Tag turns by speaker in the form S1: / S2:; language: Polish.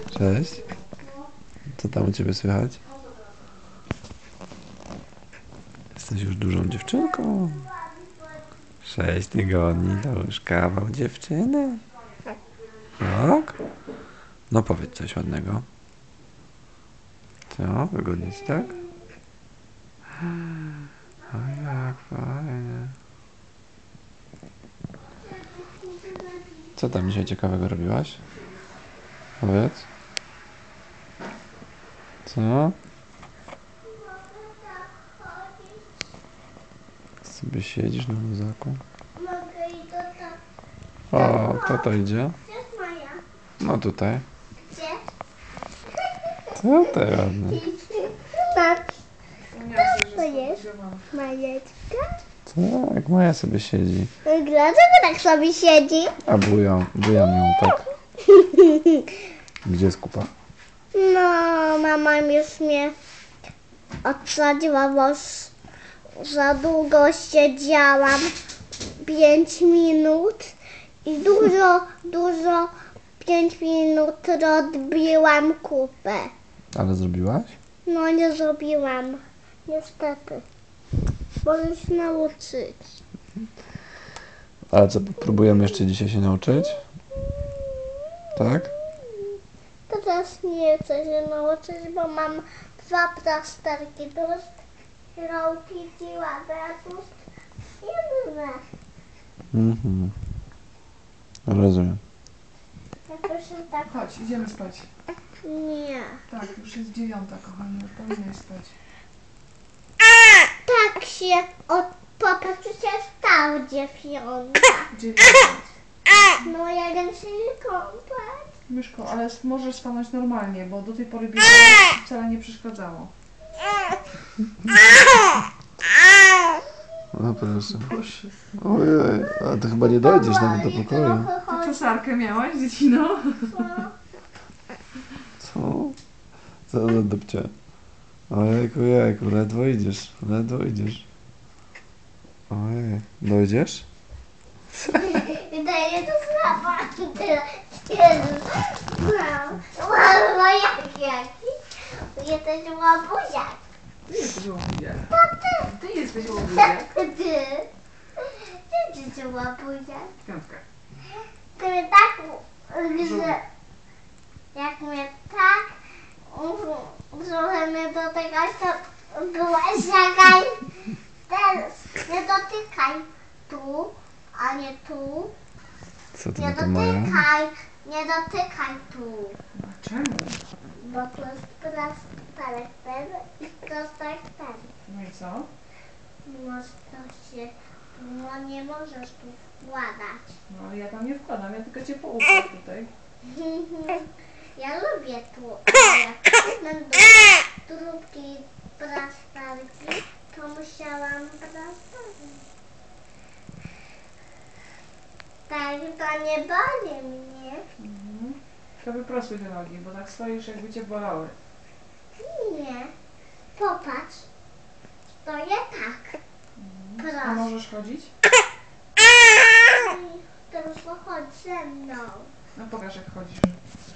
S1: Cześć. Co tam u ciebie słychać? Jesteś już dużą dziewczynką. 6 tygodni to już kawał dziewczyny. Tak? No powiedz coś ładnego. Co? Wygodnie ci, tak? O, jak fajnie. Co tam dzisiaj ciekawego robiłaś? Powiedz. Co? Sobie siedzisz na luzaku?
S2: Mogę i to tak.
S1: O, kto to idzie?
S2: Gdzie jest Maja?
S1: No tutaj.
S2: Gdzie?
S1: Co to ładne?
S2: Tak. To jest Majeczka.
S1: Tak, Maja sobie siedzi.
S2: Dlaczego tak sobie siedzi?
S1: A bujam ją tak. Gdzie jest kupa?
S2: No, mama już mnie odsadziła, bo za długo siedziałam. 5 minut i dużo 5 minut odbiłam kupę.
S1: Ale zrobiłaś?
S2: No nie zrobiłam, niestety. Mogę się nauczyć.
S1: Ale co, próbujemy jeszcze dzisiaj się nauczyć? Tak?
S2: Teraz nie chcę się nauczyć, bo mam 2 plasterki. To jest rąki, dziła, jedne.
S1: Mhm. Rozumiem.
S2: Jakoś tak.
S3: Chodź, idziemy spać.
S2: Nie.
S3: Tak, już jest 9, kochanie, powinnaś spać.
S2: Tak się popatrz, przecież stał 9.
S3: 9.
S2: No ja wiem się nie kąpać.
S3: Myszko, ale możesz stanąć normalnie, bo do tej pory bieganie wcale nie przeszkadzało.
S1: No proszę.
S3: Boże.
S1: Ojej, a ty chyba nie dojdziesz nawet do pokoju.
S3: Ty czasarkę miałaś, dziecino?
S1: Co? Co za dupcie? Ojejku, jejku, ledwo idziesz, ledwo idziesz. Ojej, dojdziesz?
S2: Daję to słaba. Wow, jaki? Jesteś łabuziak.
S3: Ty jesteś łabuziak.
S2: To ty.
S3: Ty jesteś łabuziak.
S2: Ty. Ty jesteś łabuziak.
S3: 5.
S2: Ty mnie tak, że jak mnie tak trochę mnie dotykać, to byłaś jakaś. Teraz nie dotykaj tu, a nie tu.
S1: Co ty
S2: Nie
S1: na to Maja?
S2: nie dotykaj tu.
S3: A czemu?
S2: Bo to jest plasterek ten i plasterek ten.
S3: No i co?
S2: No nie możesz tu wkładać.
S3: No ale ja tam nie wkładam, ja tylko cię połupam tutaj.
S2: Ja lubię tu, ale jak będą trubki plasterki, to musiałam plasterki. Tak, to nie boli mnie.
S3: Mhm. To wyprostuj te nogi, bo tak stoisz, jakby cię bolały.
S2: Nie. Popatrz. Stoję tak.
S3: A
S2: Proszę.
S3: możesz chodzić?
S2: Teraz chodź ze mną.
S3: No pokaż, jak chodzisz.